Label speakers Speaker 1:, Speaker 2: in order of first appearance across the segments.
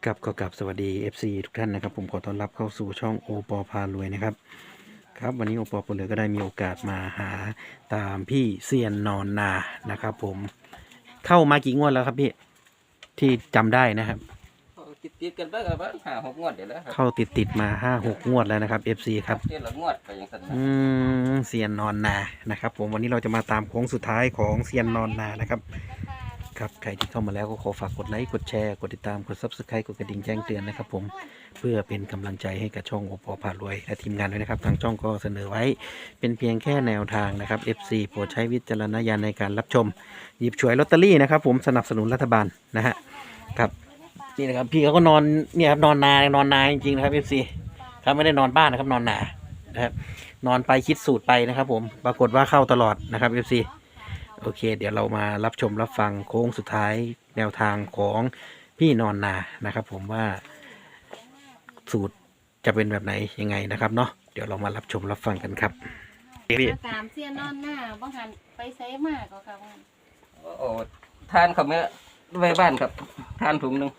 Speaker 1: กับสวัสดี FC ทุกท่านนะครับผมขอต้อนรับเข้าสู่ช่องโอปอพารวยนะครับครับวันนี้โอปอพารวยก็ได้มีโอกาสมาหาตามพี่เซียนนอนนานะครับผมเข้ามากี่งวดแล้วครับพี่ที่จำได้นะครับ
Speaker 2: ติดกันไปกับ5-6 งวดเดี๋ยวแล้วครับ
Speaker 1: เข้าติดมา5-6 งวดแล้วนะครับ FC ครับ
Speaker 2: เดือนละงวดไปอย่างนั้น
Speaker 1: เซียนนอนนานะครับผมวันนี้เราจะมาตามโค้งสุดท้ายของเซียนนอนนานะครับครับใครที่เข้ามาแล้วก็ขอฝากกดไลค์กดแชร์กดติดตามกด Subscribe กดกระดิ่งแจ้งเตือนนะครับผมเพื่อเป็นกำลังใจให้กับช่องโอปอพารวยและทีมงานด้วยนะครับทางช่องก็เสนอไว้เป็นเพียงแค่แนวทางนะครับ FC โปรดใช้วิจารณญาณในการรับชมหยิบฉวยลอตเตอรี่นะครับผมสนับสนุนรัฐบาลนะฮะครับนี่นะครับพี่เขาก็นอนเนี่ยครับนอนนาจริงๆนะครับ FC ครับไม่ได้นอนบ้านนะครับนอนนานะครับนอนไปคิดสูตรไปนะครับผมปรากฏว่าเข้าตลอดนะครับ FCโอเคเดี๋ยวเรามารับชมรับฟังโค้งสุดท้ายแนวทางของพี่นอนนานะครับผมว่าสูตรจะเป็นแบบไหนยังไงนะครับเนาะเดี๋ยวเรามารับชมรับฟังกันครับพี่
Speaker 3: มาตามเสียนอนหน้าบ้างหันไปไซมากก็ค่ะบ้าง
Speaker 2: โอ้ทานเขาเมื่อไว้บ้านครับทานถุงหนึ่ง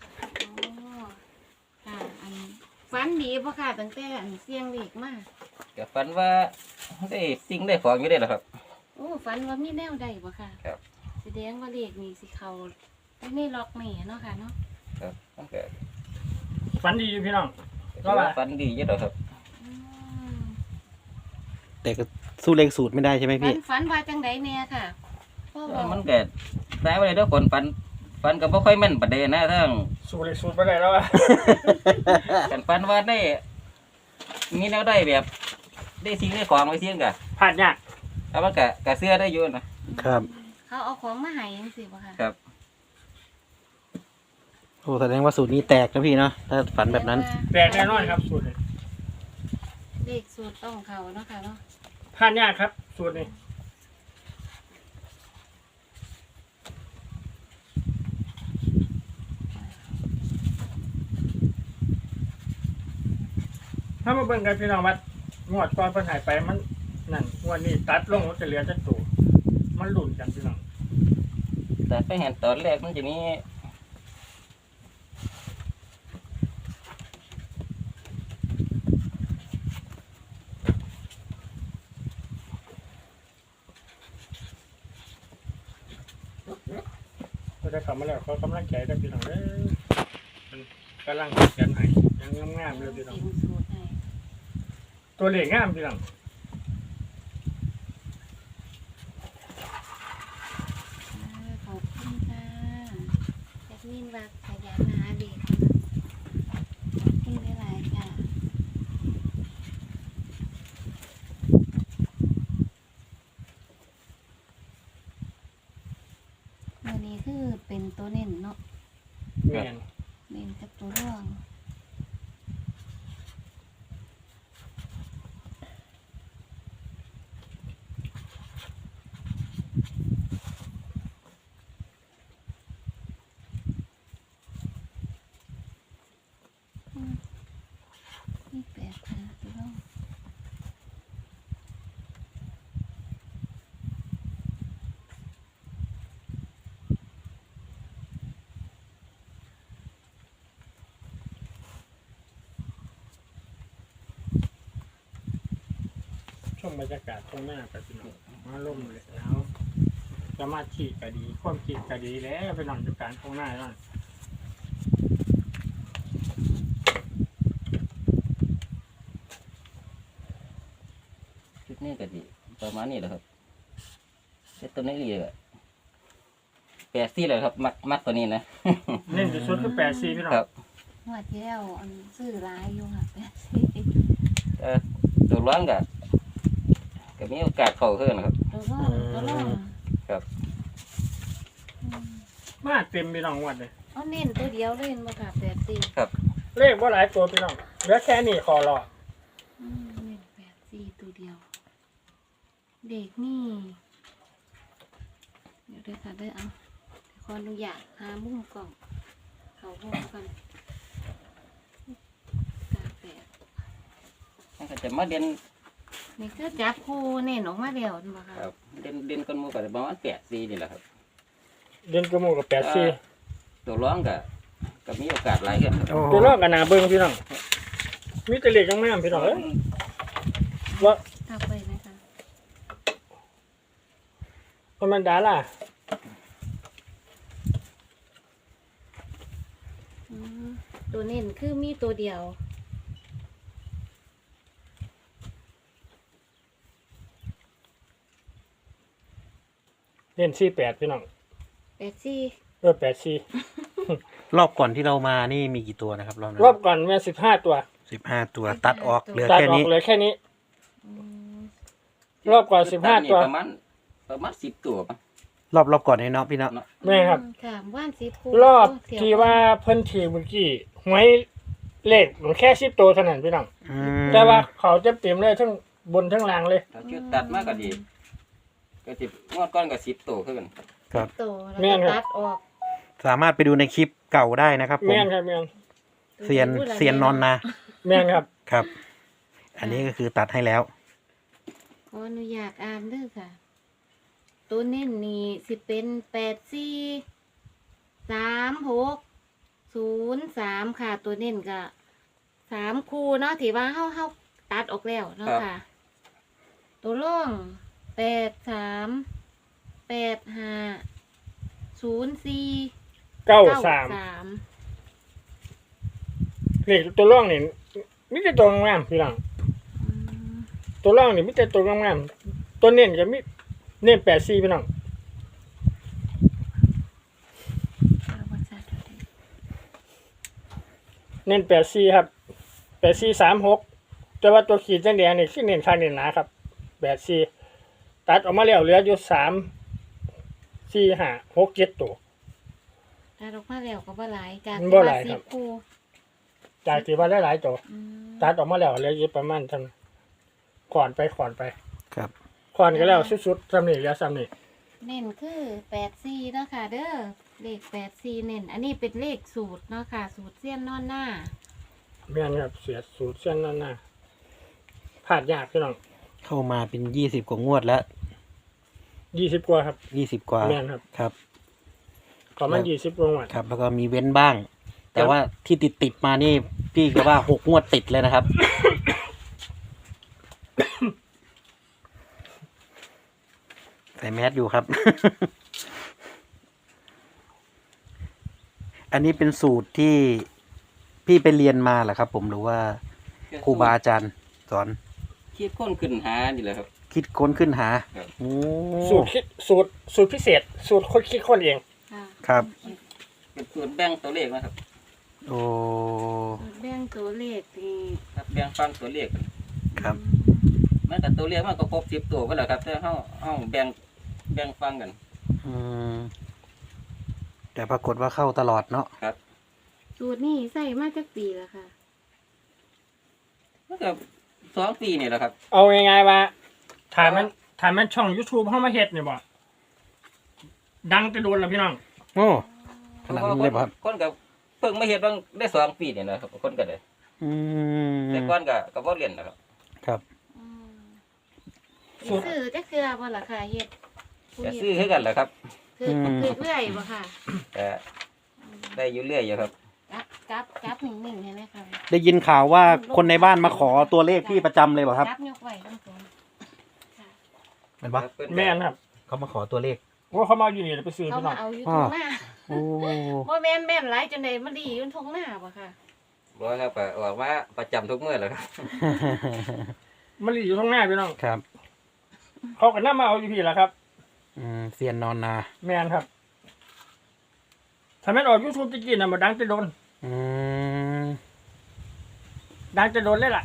Speaker 3: ค่ะอันฟันดีเพราะค่ะตั้งแต่อันเสียงเล็กมาก
Speaker 2: กับฝันว่าได้สิ่งได้ของอยู่ได้หรอครับ
Speaker 3: โอ้ฟันว่ามีแนวใดบ่ค่ะ
Speaker 2: ครับ
Speaker 3: แสดงว่าเล็กนี่สิเขาไม่ล็อกแม่เนาะค่ะเนาะ
Speaker 2: ครับตั้งแต่
Speaker 4: ฝันดีอยู่พี่น้อง
Speaker 2: ฝันดีอยู่หรอครับ
Speaker 3: อืม
Speaker 1: แต่ก็สู้เลขสูตรไม่ได้ใช่ไหมพี่
Speaker 3: ฝันว่าจังไดแน่ค่ะพ่อบอก
Speaker 2: มันเกิดได้ไปเลยทุกคนฝันก็บ่ค่อยแม่นประเด็นนะทั้ง
Speaker 4: สูตรเล็กสูตรไปไหนแล้วอะ
Speaker 2: กันฝันว่าได้มีแนวได้แบบได้สิ่งได้ของไว้เสี่ยงกะ
Speaker 4: ผ่านยาก
Speaker 2: แล้วมันกะเสื้อได้อยู่นะครับ
Speaker 3: เขาเอาของมาให้ยังสิบ่ค่ะ
Speaker 2: ครับ
Speaker 1: โอ้แสดงว่าสูตรนี้แตกนะพี่เนาะถ้าฝันแบบนั้น
Speaker 4: แตกแน่นอนครับสูตรนี้
Speaker 3: เด็กสูตรต้องเขาเนาะค่ะเนาะ
Speaker 4: ผ่านยากครับสูตรนี้ถ้ามาเบิ่งกันพี่น้องวัดงวดก่อนเพิ่นหายไปมันนั่นงวดนี้ตัดลงมันจะเหลือจักตัวมันหลุ่นกันพี่น้อง
Speaker 2: แต่ไปเห็นตอนแรกมันจะมี
Speaker 4: ก็ได้เข้ามาแล้วเขากำลังใจได้พี่น้องเด้อมันกำลังเขียนให้ยังงามๆเลยพี่น้อง
Speaker 3: เต็มสูตรให้
Speaker 4: ตัวเลขงามพี่น้อง
Speaker 3: ขอบคุณค่ะแอดมินว่าขยันหาเด็กขอบคุณหลายๆค่ะวันนี้คือเป็นตัวเน้นเนาะ
Speaker 4: แม่น
Speaker 3: เน้นกับตัวร่วงนี่แปลกค่ะตัวร่วง
Speaker 4: ช่วงบรรยากาศตรงหน้ากับพี่น้องมาล่มเลยแล้วสมาธิก็ดีความคิดก็ดีแล้วพี่น้องจัดการตรงหน้าแล้ว
Speaker 2: ชุดนี้ก็ดีประมาณนี้แหละครับเซตตัวนี้เลย84เลยครับมักตัวนี้นะ
Speaker 4: เน้นที่สุดคือ84พี่น้อง
Speaker 2: ครับ
Speaker 3: งวดที่แล้วอันซื้อหลายอยู่ค่ะแปดสิ
Speaker 2: ตัวร้อนก็มีโอกาสเข้าขึ้นนะครับ
Speaker 3: ตัวร่อง
Speaker 2: ครับ
Speaker 4: มาเต็มพี่น้องวัดเลย
Speaker 3: เอาเน้นตัวเดียวเล่นบ่ค่ะแปดสิ
Speaker 4: เลขว่าหลายตัวพี่น้องเหลือแค่นี้ขอรอ
Speaker 3: เน้นแปดสี่ตัวเดียว เด็กนี่เดี๋ยวด้วยค่ะเด้อเอาขออนุญาตหามุมกล่องเขาห้องกันกาแฟ
Speaker 2: มันก็จะมาเด่น
Speaker 3: นี่ก็จับคู่เน้นออกมาเดียวบ่ค่ะ
Speaker 2: ครับเด่นกันหมู่ก็ประมาณ84นี่แหละครับ
Speaker 4: เดือนกระมูกับ84
Speaker 2: ตัวร้อนก็ก็มีโอกาสหลายกันครับ
Speaker 1: โอ้
Speaker 4: ตัวรอบกันนาเบิ่งพี่น้องมีแต่เล็กยังแม่พี่น้องเอ้ยว่า
Speaker 3: เอาไปนะคะ
Speaker 4: มันดาล่ะ
Speaker 3: อืมตัวเน้นคือมีตัวเดียว
Speaker 4: เล่น48พี่น้อง
Speaker 3: 84
Speaker 4: 84
Speaker 1: รอบก่อนที่เรามานี่มีกี่ตัวนะครับรอบนั้น
Speaker 4: รอบก่อนแม่15ตัว
Speaker 1: 15 ตัวตัดออกเหลือ
Speaker 4: ตัด
Speaker 1: แค่
Speaker 4: ออ
Speaker 1: นี้
Speaker 4: กเหลยแค่นี้
Speaker 3: อืม
Speaker 4: รอบก่อน15ตัว
Speaker 2: ประมาณ10ตัวป่ะ
Speaker 1: รอบก่อนให้เนาะพี่เนาะ
Speaker 4: แม่ครับ
Speaker 3: ค่ะว่านสิบคู่
Speaker 4: รอบ
Speaker 3: เสียว
Speaker 4: ที่ว่าเพิ่นถีบเมื่อกี้หวยเลขมันแค่10ตัวเท่านั้นพี่น้อง
Speaker 1: อืม
Speaker 4: แต่ว่าเขาจะเต็มเลยทั้งบนทั้งล่างเลย
Speaker 2: ถ้าชุดตัดมากก็ดีก็สิงวดก้อนก็10ตัวขึ้น
Speaker 1: ครับ
Speaker 3: โตแล้ว
Speaker 4: แม่นค
Speaker 3: ก็
Speaker 4: รับ
Speaker 3: ตัดออก
Speaker 1: สามารถไปดูในคลิปเก่าได้นะครับผม
Speaker 4: แม่นครับแม่น
Speaker 1: เซียนนอนนา
Speaker 4: แม่นครับ
Speaker 1: ครับ อันนี้ก็คือตัดให้แล้ว
Speaker 3: ขออนุญาตอ่านเด้อค่ะ ตัวเน้นนี่สิเป็น843603ค่ะ ตัวเน้นก็3คู่เนาะที่ว่าเฮาตัดออกแล้วเนาะค่ะ ตัวร่อง83850493
Speaker 4: เลขตัวร่องนี่มีแต่ตัวงามพี่น้อง
Speaker 3: อืม
Speaker 4: ตัวร่องนี่มีแต่ตัวงามตัวเน้นก็มีเน้น84พี่น้อง
Speaker 3: เอาว่าจะดูดิ
Speaker 4: เน้น84ครับ8436แต่ว่าตัวขีดแดงๆนี่คือเน้นข้างเน้นหนาครับ84ตัดออกมาแล้วเหลืออยู่3 4 5 6 7ตัว
Speaker 3: ตัดออกมาแล้วก็บ่หลายจาก
Speaker 4: บ่หลายครับ
Speaker 3: 10คู่
Speaker 4: จากที่ว่าหลายๆตัว
Speaker 3: อืม
Speaker 4: ตัดออกมาแล้วเหลืออยู่ประมาณเท่านั้นขอนไป
Speaker 1: ครับ
Speaker 4: ขอนก็แล้วสุดๆซ้ำนี่เหลือซ้ำนี่
Speaker 3: เน้นคือ84เนาะค่ะเด้อเลข84เน้นอันนี้เป็นเลขสูตรเนาะค่ะ สูตรเสี้ยนนอนหน้า
Speaker 4: แม่นครับเสียสูตรเส้นนั่นน่ะพลาดยากพี่น้อง
Speaker 1: เข้ามาเป็น20 กว่างวดแล้ว
Speaker 4: 20กว่าครับ
Speaker 1: 20 กว่า
Speaker 4: แม่นครับ
Speaker 1: ครับ
Speaker 4: ประมาณ20กว่าวัน
Speaker 1: ครับ แล้วก็มีเว้นบ้าง แต่ว่าที่ติดมานี่พี่ก็ว่า6 งวดติดเลยนะครับ ใส่แมสอยู่ครับ อันนี้เป็นสูตรที่พี่ไปเรียนมาเหรอครับ ผมหรือว่าครูบาอาจารย์สอน
Speaker 2: คิดค้นขึ้นหานี่แหละครับ
Speaker 1: คิดค้นขึ้นหา
Speaker 2: ครับ
Speaker 1: โอ้
Speaker 4: สูตรพิเศษ สูตรคนคิดคนเอง
Speaker 3: ค่ะ
Speaker 1: ครับ
Speaker 2: เป็นส่วนแบ่งตัวเลขนะครับ
Speaker 1: โอ้
Speaker 3: สูตรแบ่งตัวเลขนี่
Speaker 2: ครับแบ่งฟังตัวเลข
Speaker 1: ครับ
Speaker 2: มันกับตัวเลขมันก็ครบ10ตัวก็แล้วครับแต่เฮาแบ่งฟังกัน
Speaker 1: อืมแต่ปรากฏว่าเข้าตลอดเนาะ
Speaker 3: สูตรนี่ใส่มาจากปีแล้วค่ะ
Speaker 2: มันก็2 ปีนี่แหละครับ
Speaker 4: เอาง่ายๆว่าถ่ายมันช่อง YouTube เข้ามาเฮ็ดเนี่ยบ่ดังจะโดนแล้วพี่น้อง
Speaker 1: โอ้ขนาดนั้นเลยป่ะครับ
Speaker 2: คนก็เพิ่งมาเฮ็ดบางได้2 ปีนี่นะครับคนก็ได้
Speaker 1: อืม
Speaker 2: แต่ก่อนก็บ่เรียนนะครับ
Speaker 1: ครับ
Speaker 3: อืม
Speaker 4: สูตร
Speaker 3: ซื้อจะคือบ่ล่ะค่ะเฮ็ดผู้
Speaker 2: จะ
Speaker 3: เฮ็ด
Speaker 2: ซื้อคือกันแหละครับ
Speaker 3: คือเรื่อยบ่ค่ะ
Speaker 2: แต่ได้อยู่เรื่อยอยู่ครับ
Speaker 3: จับนิ่งๆให้ไหมคะ
Speaker 1: ได้ยินข่าวว่าคนในบ้านมาขอตัวเลขพี่ประจำเลยป่ะครับ
Speaker 3: จับยกไว้ทั้งสองค่ะ
Speaker 1: เป็นปะ
Speaker 4: แม่นครับ
Speaker 1: เขามาขอตัวเลข
Speaker 4: ว่าเขามาอยู่นี่ไปซื้อ
Speaker 3: เขา
Speaker 4: พี่น้
Speaker 3: มา
Speaker 4: อง
Speaker 3: เอาอยู่ตรงหน้า
Speaker 1: โอ้
Speaker 3: บ่แม่นหลายจนได้มาดีอยู่ตรงหน้าบ่ค่ะ
Speaker 2: บ่ครับก็ออกมาประจำทุกมื้อแหละครับ
Speaker 4: มันอยู่ข้างหน้าพี่น้อง
Speaker 1: ครับ
Speaker 4: เขาก็นำมาเอาอยู่พี่ล่ะครับ
Speaker 1: เซียนนอนนา
Speaker 4: แม่นครับถ้าแม่นออก YouTube ตะกี้น่ะบ่ดังจะโดน
Speaker 1: อืม
Speaker 4: ดังจะโดนเลยล่ะ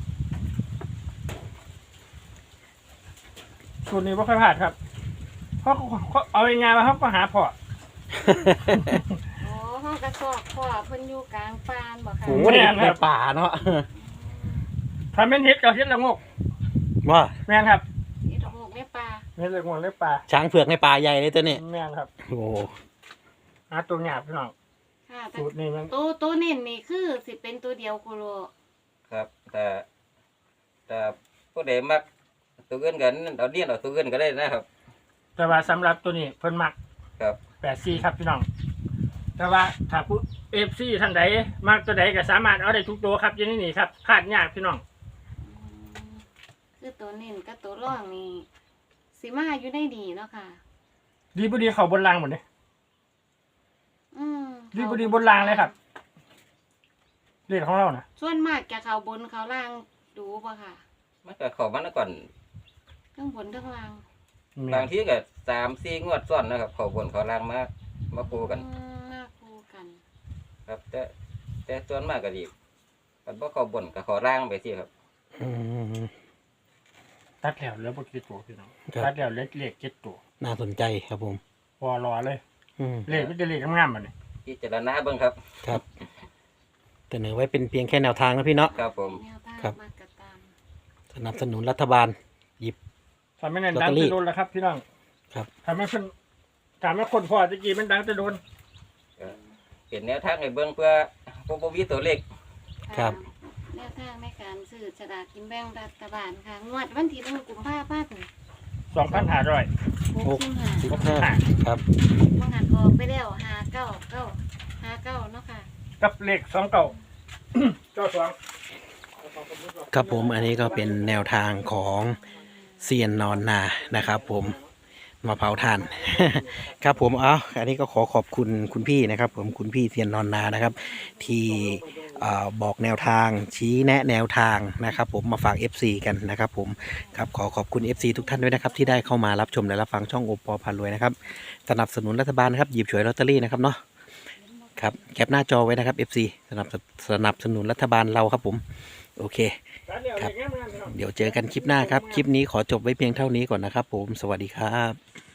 Speaker 4: สูตรนี้บ่ค่อยพลาดครับเพราะเขาเอาง่ายๆว่าเขาก็หาพอ
Speaker 3: อ๋อห้องกระสอบพ่อเพิ่นอยู่กลางปานบ่ค่ะ
Speaker 1: โหในป่าเนาะ
Speaker 4: ถ้าแม่นเฮ็ดก็เฮ็ดละงก
Speaker 1: ว่า
Speaker 4: แม่นครับ
Speaker 3: เฮ็ดโหกในป่า
Speaker 4: เฮ็ดละงกเลยปลา
Speaker 1: ช้างเผือกในป่าใหญ่เลยตัวนี้
Speaker 4: แม่นครับ
Speaker 1: โอ้
Speaker 4: หาตัวหยาบพี่น้อง
Speaker 3: ค่ะแต่
Speaker 4: สูตรนี้มัน
Speaker 3: ตัวเน้นนี่คือสิเป็นตัวเดียวโคโล
Speaker 2: ครับแต่ผู้ใดมักตัวอื่นกันเอาเรียนเอาตัวอื่นก็ได้นะครับ
Speaker 4: แต่ว่าสำหรับตัวนี้เพิ่นมัก
Speaker 2: ครับ
Speaker 4: 84ครับพี่น้องแต่ว่าถ้า FC ท่านใดมักตัวใดก็สามารถเอาได้ทุกตัวครับอยู่ในนี่ครับพลาดยากพี่น้อง
Speaker 3: คือตัวเน้นกับตัวร่องนี่สิมาอยู่ได้ดีเนาะค่ะ
Speaker 4: ดีบ่ดีเข้าบนรางหมดเลย
Speaker 3: อืม
Speaker 4: ดีบ่ดีบนรางเลยครับเลขของเรานะ
Speaker 3: ส่วนมากจะเขาบนเขาล่างดูป่ะค่ะ
Speaker 2: มันก็เข้ามาแล้วก่อน
Speaker 3: ทั้งบนทั้งล่าง
Speaker 2: บางทีก็3-4 งวดซ้อนนะครับเข้าบนเข้าล่างมาคู่กัน
Speaker 3: มาคู่กัน
Speaker 2: ครับ แต่ส่วนมากก็ดีมันบ่เข้าบนก็เข้าล่างไปสิครับ
Speaker 1: อืม
Speaker 4: ตัดแล้วเหลือบ่กี่ตัวพี่น้อง
Speaker 1: ครับ
Speaker 4: ตัดแล้วเลข7ตัว
Speaker 1: น่าสนใจครับผม
Speaker 4: พอรอเลย
Speaker 1: อืม
Speaker 4: เลขมันจะเลขงามๆบัดนี้
Speaker 2: พิจารณาเบิ่งครับ
Speaker 1: ครับแต่เสนอไว้เป็นเพียงแค่แนวทางนะพี่เนาะ
Speaker 2: ครับผม
Speaker 3: แนวทาง
Speaker 1: ครับ
Speaker 3: มากระตาม
Speaker 1: สนับสนุนรัฐบาลหยิบ
Speaker 4: ถ้าไม่นั่น
Speaker 1: ลอต
Speaker 4: ดั
Speaker 1: เต
Speaker 4: ง
Speaker 1: อรี่
Speaker 4: จะโดนแล้วครับพี่น้อง
Speaker 1: ครับ
Speaker 4: ถ้าไม่คนพอตะกี้มันดังจะโดน
Speaker 2: เป็นแนวทางให้เบิ่งเพื่อผู้บ่มีตัวเลข
Speaker 1: ครับ
Speaker 3: แนวทางในการซื้อฉลากกินแบ่งรัฐบาลค่ะงวดวันที่1 กุมภาพันธ์
Speaker 4: 2,500
Speaker 3: 65
Speaker 1: 15ครับ
Speaker 3: บางหันออกไปแล้ว59 เนาะค่ะ
Speaker 4: กับเลข29 92
Speaker 1: ครับผมอันนี้ก็เป็นแนวทางของเซียนนอนนานะครับผมมาเผาถ่าน ครับผมอันนี้ก็ขอขอบคุณคุณพี่นะครับ ผมคุณพี่เซียนนอนนานะครับ ที่บอกแนวทางชี้แนะแนวทางนะครับ ผมมาฝาก FC กันนะครับ ผมครับขอขอบคุณ FC ทุกท่านด้วยนะครับ ที่ได้เข้ามารับชมและรับฟังช่องโอปอพารวยนะครับสนับสนุนรัฐบาลนะครับหยิบฉวยลอตเตอรี่นะครับเนาะครับแคปหน้าจอไว้นะครับ FC สนับสนุนรัฐบาลเราครับผมโอเค
Speaker 4: ครับ
Speaker 1: เดี๋ยวเจอกันคลิปหน้าครับ คลิปนี้ขอจบไว้เพียงเท่านี้ก่อนนะครับผม สวัสดีครับ